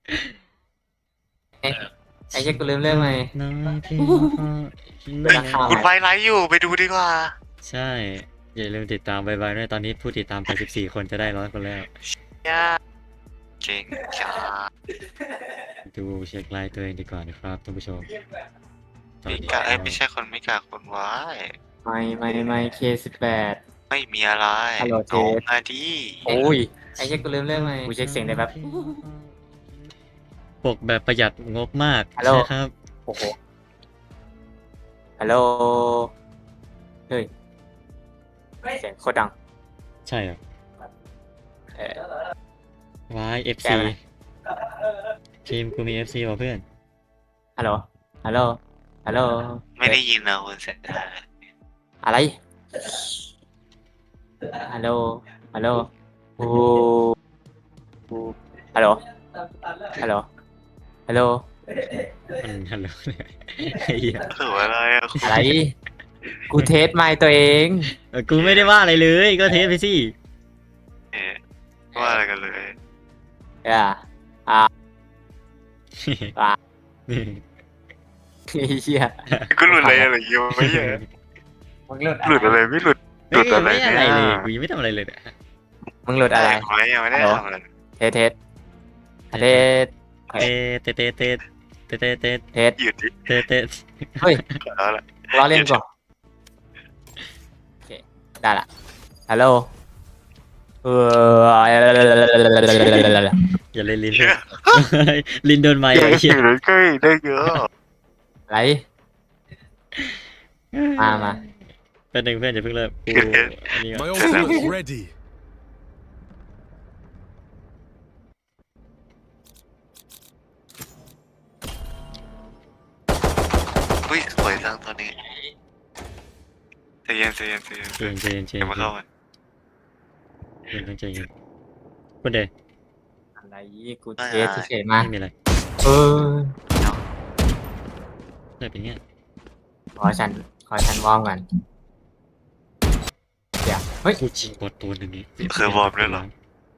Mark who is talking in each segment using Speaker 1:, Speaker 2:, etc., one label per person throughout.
Speaker 1: ไอ้เจ๊กูลืมเรื่องไหม
Speaker 2: น้อยพี่
Speaker 1: เฮ้ย
Speaker 3: คุณไวไลฟ์อยู่ไปดูดีกว่า
Speaker 2: ใช่ อย่าลืมติดตามไวๆด้วยตอนนี้ผู้ติดตามไป14 คนจะได้100 คนแล้ว
Speaker 3: ย่าเก่งจ้า
Speaker 2: ดูเช็คไลน์ตัวเองดีกว่านะครับท่านผู้ชม
Speaker 3: มิกาไม่ใช่คนมิกาคนไว้
Speaker 1: ไม่K18
Speaker 3: ไม่มีอะไร
Speaker 1: ฮัลโหลเจ
Speaker 3: น้องมาดี
Speaker 1: โอ้ยไอ้เจ๊กูลืมเรื่องไหมกูเช็คเสียงได้แป๊บ
Speaker 2: ปกแบบประหยัดงบมาก
Speaker 1: ฮัลโหล
Speaker 2: ใช่ครับ
Speaker 1: โอ้โหฮัลโหลเฮ้ยเสียงโคตรดัง
Speaker 2: ใช่เหรอ
Speaker 1: เออ
Speaker 2: ว้าย FC
Speaker 1: แกไหม
Speaker 2: ทีมกูมี FC ว่ะเพื่อน
Speaker 1: ฮัลโหลฮัลโหลฮัลโหล
Speaker 3: ไม่ได้ยินนะคุณเสร็จ
Speaker 1: อะไรฮัลโหลฮัลโหลโอ้ฮัลโหลฮัลโหลฮัลโหล
Speaker 2: มันฮัลโหลเนี่ยไอ้เหี้ย
Speaker 3: ถืออะไรอะ
Speaker 1: อะไรกูเทสไมค์ตัวเอง
Speaker 2: กูไม่ได้ว่าอะไรเลยก็เทสไปสิ
Speaker 3: เอ๊ะว่าอะไรกันเลย
Speaker 1: อ่าอ่าไอ้เหี้ย
Speaker 3: ก็หลุดอะไรอะไรอยู่ไม่ใช่
Speaker 1: มึงหลุด
Speaker 3: หลุดอะไรไม่หลุดห
Speaker 2: เฮ้
Speaker 3: ลุ
Speaker 2: ย
Speaker 3: ดอะไร
Speaker 2: ไม่อะไรเลย
Speaker 3: เนี่ย
Speaker 2: กูยังไม่ทำอะไรเลยเนี่ย
Speaker 1: มึงหลุดอะไร
Speaker 3: ไม่ยังไม่ได้ทำอะไร
Speaker 1: เทสเทสเทส
Speaker 2: เตะเตะเตะเตะเตะเตะ
Speaker 1: เทส
Speaker 3: หยุดดิ
Speaker 2: เตะเตะ
Speaker 1: เฮ้ย
Speaker 3: เอาละ
Speaker 1: ล้อเล่นก่อนโอเคได้ละฮัลโหลเออ
Speaker 2: อย่าเล่นลิ้นเพื่อนลิ้นโดนไม้
Speaker 3: เย
Speaker 2: ไอ้
Speaker 3: อะ
Speaker 2: เหี้ย
Speaker 3: เลยก็ได้เยอะ
Speaker 1: อะไรมา
Speaker 2: เป็นหนึ่งเพื่อนอย่าเพิ่งเลิกกูอันนี้ก่อน
Speaker 4: My ultimate's ready.
Speaker 3: อุ้ยสวยจังตอนนี้ใจเย็นใจเย็นใจเย็น
Speaker 2: เจนเจนเจน
Speaker 3: เดี๋ยวมาเข้ากัน
Speaker 2: เจนต้องใจเย็นคนเดียว
Speaker 1: อะไรกูเทสเฉยๆมา
Speaker 2: ไม่มีอะไร
Speaker 1: เออ
Speaker 2: เลยเป็นเงี้ย
Speaker 1: ขอฉันวอร์มก่อนเดี๋ยวเฮ้ย
Speaker 2: กูชิงกดตัวหนึ่งนี่
Speaker 3: เคยวอร์มด้วยเหรอ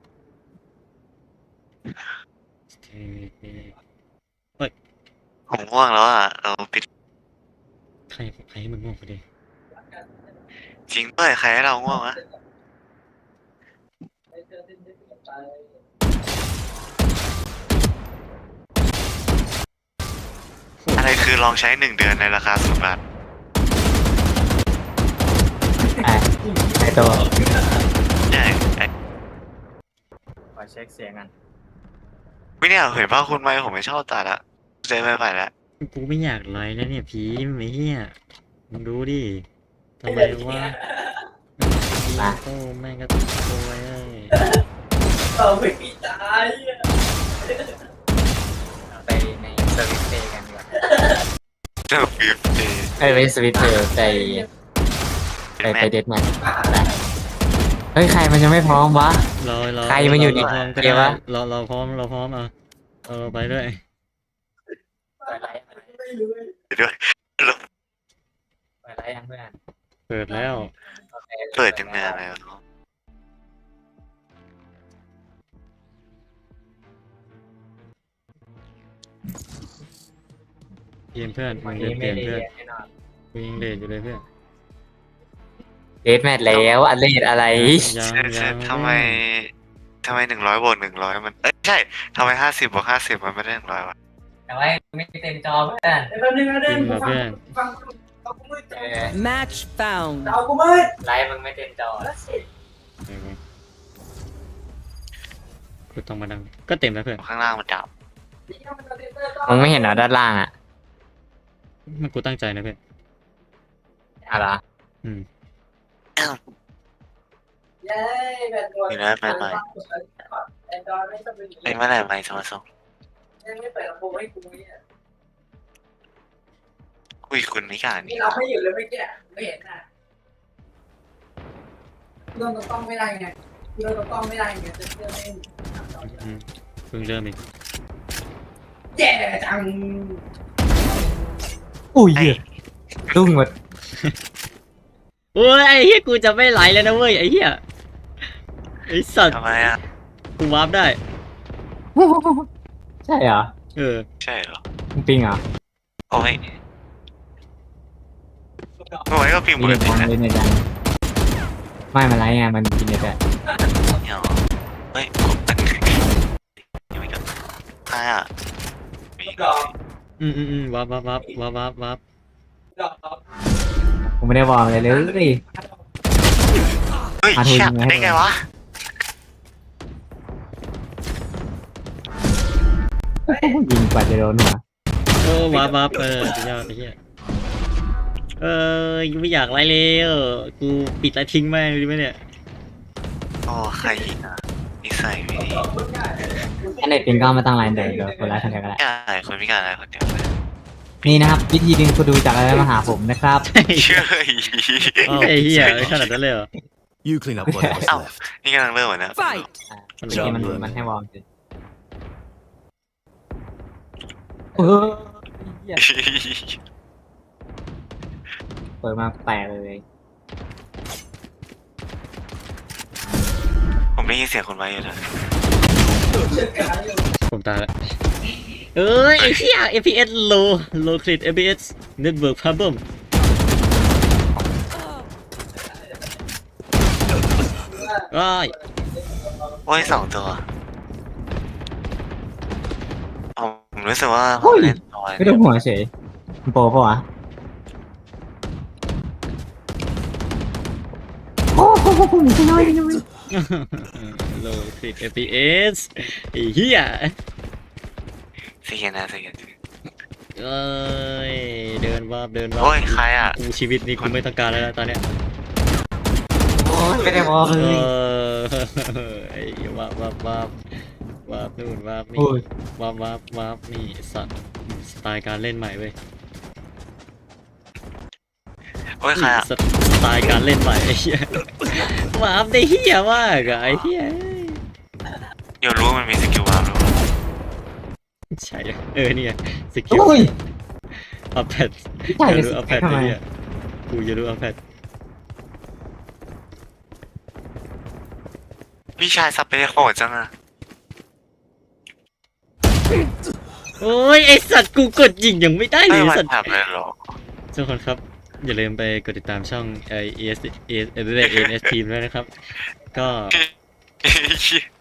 Speaker 3: ผมง่วงแล้วอ่ะเราปิด
Speaker 2: ใครให้มึงง่วงคนเดียว
Speaker 3: จริงด้วยใครให้เราง่วงวะอะไรคือลองใช้1 เดือนในราคา0 บาท
Speaker 1: ไอตัว
Speaker 3: ใช่ไอ้
Speaker 1: ขอเช็คเสียงกัน
Speaker 3: ไม่เนี่ยเห็นป่ะคุณไม่ผมไม่ชอบตัดอะเจอไม่ไหวแล้ว
Speaker 2: กูไม่อยากไลฟ์นะเนี่ยผีไม่เหี้ยมึงดูดิทำไมวะโอ้แม่งก็ตัวเอ้ย
Speaker 1: ไปในสวิตเตย์กันดีกว่า
Speaker 3: เจอฟิฟเ
Speaker 1: ไปสวิตเตย์ไปเดทแมทเฮ้ยใครมันยังไม่พร้อมวะ
Speaker 2: รอ
Speaker 1: ใครมันอยู่ใน
Speaker 2: รพร้อมก็
Speaker 1: เก
Speaker 2: ได้
Speaker 1: มวะ
Speaker 2: เราพร้อมอ่ะไปด้วย
Speaker 3: ด้วย
Speaker 1: เปิดอะไรยังเพื่อน
Speaker 2: เปิดแล้ว
Speaker 3: เปิดจังนานแล้ว
Speaker 2: เปลี่ยนเพื่อนมึ
Speaker 1: วัน
Speaker 2: ง
Speaker 1: นี้
Speaker 2: เป
Speaker 1: ไม่
Speaker 2: ลี่ยน
Speaker 1: ได้
Speaker 2: เพื่อน
Speaker 1: แน่นอน
Speaker 2: กูยังเลทอยู่เลยเพื่อน
Speaker 1: เดทแมทแล้วอันเลดอะไร
Speaker 2: ยัง
Speaker 3: เช่
Speaker 2: ยัง
Speaker 3: ทำไม100 บวก 100มันใช่ทำไม50 บวก 50มันไม่ได้100วะ
Speaker 1: แต่ว่าไม่เต็มจอเพื่อน
Speaker 2: จริงเหรอเพื่อน
Speaker 5: Match found.
Speaker 1: ไลฟ์มึงไม่เต็มจอ
Speaker 2: กูต้องมาดังก็เต็มแล้วเพื่อน
Speaker 3: ข้างล่างมันดับ
Speaker 1: มึงไม่เห็นเหรอด้านล่างอ่ะ
Speaker 2: มันกูตั้งใจนะเพื่อน
Speaker 1: อะไร
Speaker 2: อืม
Speaker 3: มีนะใหม่ไอ้เมื่อไหร่ใหม่จะมาส่งคุยคุณไม่กล้านี่
Speaker 6: นี่เราไม่อยู่เลยไม่แก่ไม่เห็นอ่ะโดนตัวต้องไม่ได้ไงโดนตัวต้องไม่ได้ไงจะเชื่อไม่
Speaker 2: อืมเพิ่งเริ่มอีก
Speaker 6: แย่จัง
Speaker 1: อุ้ย
Speaker 3: ไอ้
Speaker 1: รุ่งหมด
Speaker 2: โอ้ยไอ้เหี้ยกูจะไม่ไหลแล้วนะเว้ยไอ้เหี้ยไอ้สัตว์
Speaker 3: ทำไมอ่ะ
Speaker 2: กูวาร์ปได้
Speaker 1: ใช่เหรอ
Speaker 2: เออ
Speaker 3: ใช่เหรอ
Speaker 1: มึงปิงเหรอ
Speaker 3: โอ้ยเมื่อวานก็พิมพ์
Speaker 1: มี
Speaker 3: ปก
Speaker 1: เน็ต
Speaker 3: ติ
Speaker 1: ยัง
Speaker 3: นะ
Speaker 1: เล่นเน็ตยังไม่มันไรไงมันกินเน็ตอะ
Speaker 3: เนี่ยเหรอเฮ้ยยังไม่จบใครอ่ะมี
Speaker 2: วับวับวับวับวับวับ
Speaker 1: ผมไม่ได้วอร์มอะไรเลย
Speaker 3: เฮ้ย
Speaker 1: มาทุน
Speaker 3: เชี่ย
Speaker 1: ยังไงให้
Speaker 3: ได้ไงวะ
Speaker 1: ยิงกว่าจะโดนหัว
Speaker 2: โอ้วับวับสุดยอดไอ้เหี้ยยังไม่อยากไล่เลยกูปิดไลฟ์ทิ้งแม่งดีไหมเนี่ย
Speaker 3: โอ้ใครยิงอ่ะนิสัยไม่ดี
Speaker 1: ถ้าเน็ตปิงก็เอามาตั้งไลน์เดี๋ยวคนร้ายทำอะไรก็ได้
Speaker 3: ใช่คนพิการอะไรคนเดียวเลย
Speaker 1: นี่นะครับ วิธีดึงคนดูจากอะไรมาหาผมนะครับ
Speaker 3: เชื่อ
Speaker 2: ไอ้เหี้ยขนาดนั้นเลยเหรอ
Speaker 4: You clean up whatever's
Speaker 3: Ow.
Speaker 4: left.
Speaker 3: นี่กำลังเริ่มเหมือนนะ
Speaker 2: มัน
Speaker 1: เมื่อกี้มัน
Speaker 2: ยอม
Speaker 1: มันให้วอร์มสิเออเหี้ยเปิดมาแตกเลย
Speaker 3: ผมได้ยินเสียงคนไว้อยู่นะ
Speaker 2: ผมตายแล้วไอ้เหี้ย FPS low crit FPS network problem ว้าย
Speaker 3: โอ้ยสองตัวผมรู้สึกว่าผมเล่นน้อย
Speaker 1: ไม่ได้หัวเฉยมันโปรปะวะโอ้โหไม่น้อยไม่น้อย
Speaker 2: low crit FPS ไอ้เหี้ย
Speaker 3: เสียนะเสียนะ
Speaker 2: เดินวับ
Speaker 3: โอ้ยใครอ่ะ
Speaker 2: กูชีวิตนี้กูไม่ต้องการแล้วนะตอนเนี้ย
Speaker 1: โอ้ยไม่ได้วอร์มเลย
Speaker 2: ไอ้วับนู่นวับนี่
Speaker 1: โอ้ย
Speaker 2: วับนี่สัตว์สไตล์การเล่นใหม่เว้ย
Speaker 3: โอ้ยใครอ่ะ
Speaker 2: สไตล์การเล่นใหม่ไอ้เหี้ยวับได้เหี้ยมากอะไอ้เหี้ย
Speaker 3: เดี๋ยวรู้ว่ามันมีสกิลวาร์ปหรือเปล่า
Speaker 2: ใช่เนี่ยสกิล
Speaker 1: โอ้ย
Speaker 2: อัพแพด
Speaker 1: ใช่
Speaker 2: อย่า
Speaker 1: เลย
Speaker 2: รู้อัพแพด
Speaker 1: ทำไม
Speaker 2: เนี่ยกูจะรู้อัพแพด
Speaker 3: พี่ชายสับไปโหดจังอ่ะ
Speaker 2: โอ้ยไอสัตว์กูกดยิงยังไม่ได้เล
Speaker 3: ไม่
Speaker 2: ย
Speaker 3: วัน
Speaker 2: สัตว์
Speaker 3: ทำเลยหรอ
Speaker 2: ทุกคนครับ อย่าลืมไปกดติดตามช่องES Team ด้วยนะครับ ก็